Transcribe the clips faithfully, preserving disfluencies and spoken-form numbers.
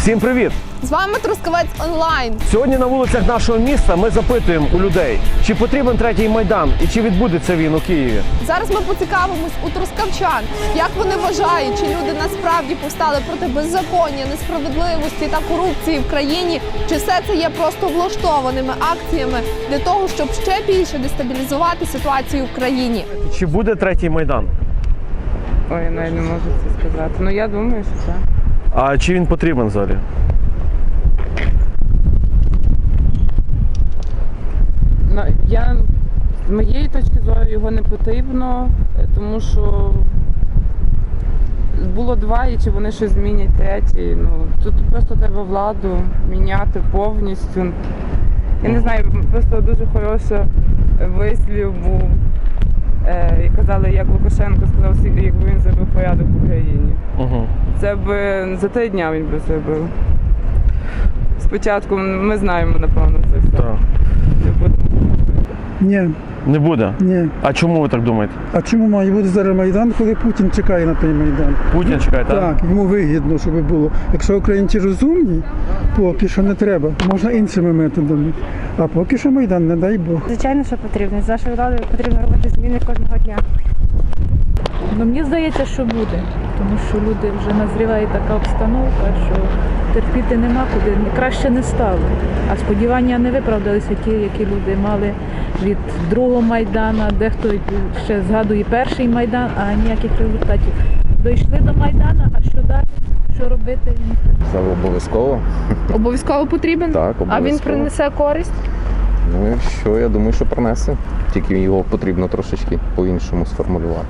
Всім привіт! З вами Трускавець онлайн. Сьогодні на вулицях нашого міста ми запитуємо у людей, чи потрібен третій Майдан і чи відбудеться він у Києві. Зараз ми поцікавимось у трускавчан, як вони вважають, чи люди насправді повстали проти беззаконня, несправедливості та корупції в країні, чи все це є просто влаштованими акціями для того, щоб ще більше дестабілізувати ситуацію в країні. Чи буде третій Майдан? Ой, я навіть не можу це сказати. Ну, я думаю, що так. А чи він потрібен взагалі? Ну, я, з моєї точки зору, його не потрібно, тому що було два, і чи вони щось змінять третій. Ну, тут просто треба владу міняти повністю. Я не знаю, просто дуже хороший вислів був. І казали, як Лукашенко сказав, якби він зробив порядок в Україні. Угу. Це б за три дня він би зробив. Спочатку ми знаємо, напевно, це все. Так. Ні, Не буде? ні. А чому ви так думаєте? А чому має бути зараз Майдан, коли Путін чекає на той Майдан? Путін чекає, так? Так, йому вигідно, щоб було. Якщо українці розумні, поки що не треба. Можна іншими методами. А поки що Майдан, не дай Бог. Звичайно, що потрібно. З нашою владою потрібно робити зміни кожного дня. Ну, мені здається, що буде, тому що люди вже назріває така обстановка, що терпіти нема куди, краще не стало. А сподівання не виправдалися ті, які люди мали від другого Майдана, дехто ще згадує перший Майдан, а ніяких результатів. Дійшли до Майдана, а що далі? Що робити? Це обов'язково. Обов'язково потрібен? Так, обов'язково. А він принесе користь? Ну і що, я думаю, що принесе. Тільки його потрібно трошечки по-іншому сформулювати.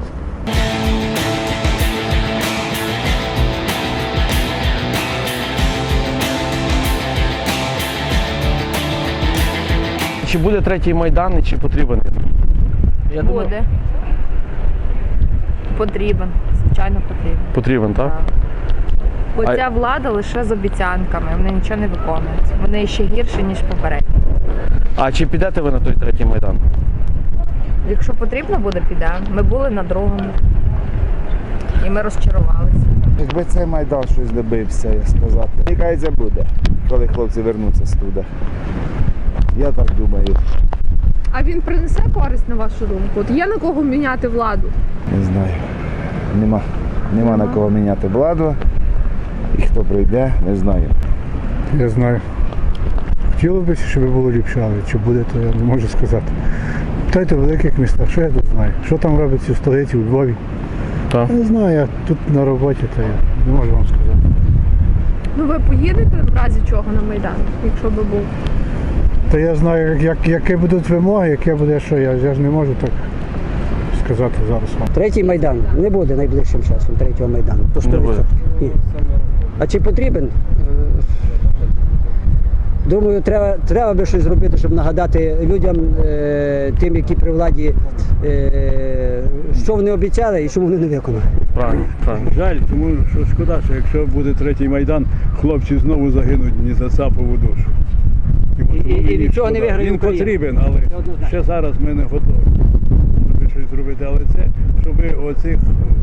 Чи буде третій Майдан і чи потрібен він? Я думаю, Буде. Потрібен. Звичайно, потрібен. потрібен, так? Так. Бо А- ця влада лише з обіцянками, вони нічого не виконують. Вони ще гірші, ніж попередні. А чи підете ви на той третій Майдан? Якщо потрібно буде, підемо. Ми були на другому. І ми розчарувалися. Якби цей Майдан щось добився, як сказати. Мені кажеться, буде, коли хлопці вернуться з туди. Я так думаю. А він принесе користь, на вашу думку? От є на кого міняти владу? Не знаю. Нема. Нема на кого міняти владу. І хто прийде, не знаю. Я знаю. Хотіло б, щоб було ліпше, але чи буде, то я не можу сказати. Питайте в великих містах, що я тут знаю? Що там робиться в столиці, у Львові? Так. Я не знаю, я тут на роботі, то я не можу вам сказати. Ну ви поїдете в разі чого на Майдан, якщо би був? Та я знаю, як, як, які будуть вимоги, яке буде що. Я, я ж не можу так сказати зараз вам. Третій Майдан не буде найближчим часом, третього Майдану. То Не буде. Ні. А чи потрібен? Е, Думаю, треба, треба би щось зробити, щоб нагадати людям, е, тим, які при владі, е, що вони обіцяли і що вони не виконали. Правильно, правильно. Жаль, тому що шкода, що якщо буде третій Майдан, хлопці знову загинуть ні за цапову душу. І- і- і від цього не шкода. виграє Він Україна. потрібен, але Це однозначно. ще зараз ми не готові, щоб щось зробити. Але це, щоб оцих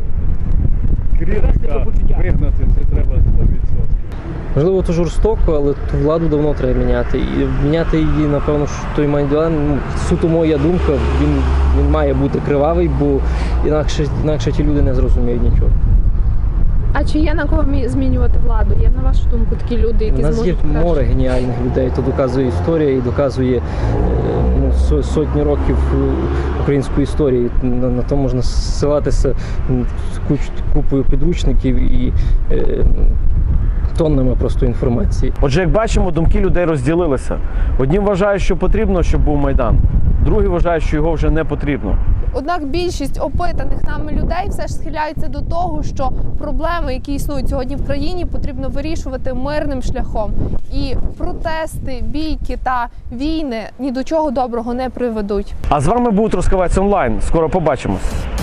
кріпка вигнати, це треба сто відсотків. Можливо, це жорстоко, але ту владу давно треба міняти. І міняти її, напевно, що той Майдан, ну, суто моя думка, він, він має бути кривавий, бо інакше, інакше ті люди не зрозуміють нічого. А чи є на кого мі- змінювати владу? Є, на вашу думку, такі люди, які У нас є зможуть море краще? геніальних людей, то доказує історія і доказує е, ну, со- сотні років е, української історії. На, на то можна ссилатися м, з куч, купою підручників і е, тоннами просто інформації. Отже, як бачимо, думки людей розділилися. Одні вважають, що потрібно, щоб був Майдан. Другі вважають, що його вже не потрібно. Однак більшість опитаних нами людей все ж схиляються до того, що проблеми, які існують сьогодні в країні, потрібно вирішувати мирним шляхом. І протести, бійки та війни ні до чого доброго не приведуть. А з вами був Трускавець онлайн. Скоро побачимось.